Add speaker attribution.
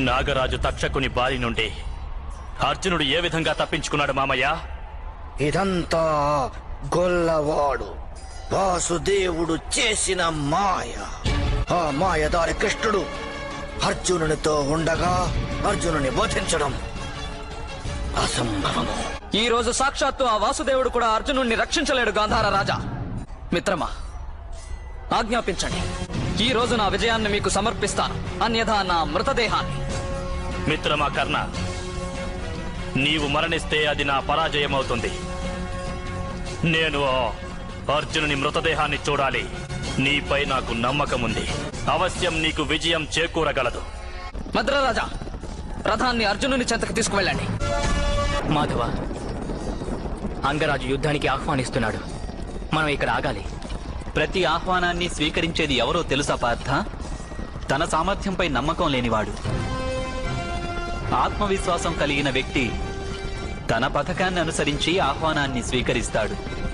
Speaker 1: నాగరాజు తక్షకుని బారి నుండి అర్జునుడు ఏ విధంగా తప్పించుకున్నాడు మామయ్య?
Speaker 2: ఇదంతా గొల్లవాడు వాసుదేవుడు చేసిన మాయ. ఆ మాయదారి కృష్ణుడు అర్జునునితో ఉండగా అర్జునుని వధించడం అసంభవము.
Speaker 3: ఈ రోజు సాక్షాత్తు ఆ వాసుదేవుడు కూడా అర్జునుడిని రక్షించలేడు. గాంధార రాజా, మిత్రమా, ఆజ్ఞాపించండి. ఈ రోజు నా విజయాన్ని మీకు సమర్పిస్తాను, అన్యథా నా మృతదేహాన్ని.
Speaker 1: మిత్రమా కర్ణ, నీవు మరణిస్తే అది నా పరాజయమవుతుంది. నేను అర్జునుని మృతదేహాన్ని చూడాలి. నీపై నాకు నమ్మకం ఉంది. అవశ్యం నీకు విజయం చేకూరగలదు.
Speaker 3: మద్రరాజా, రథాన్ని అర్జునుని చెంతకు తీసుకువెళ్ళండి.
Speaker 4: మాధవ, అంగరాజు యుద్ధానికి ఆహ్వానిస్తున్నాడు. మనం ఇక్కడ ఆగాలి.
Speaker 5: ప్రతి ఆహ్వానాన్ని స్వీకరించేది ఎవరో తెలుసా పార్థ? తన సామర్థ్యంపై నమ్మకం లేనివాడు. ఆత్మవిశ్వాసం కలిగిన వ్యక్తి తన పథకాన్ని అనుసరించి ఆహ్వానాన్ని స్వీకరిస్తాడు.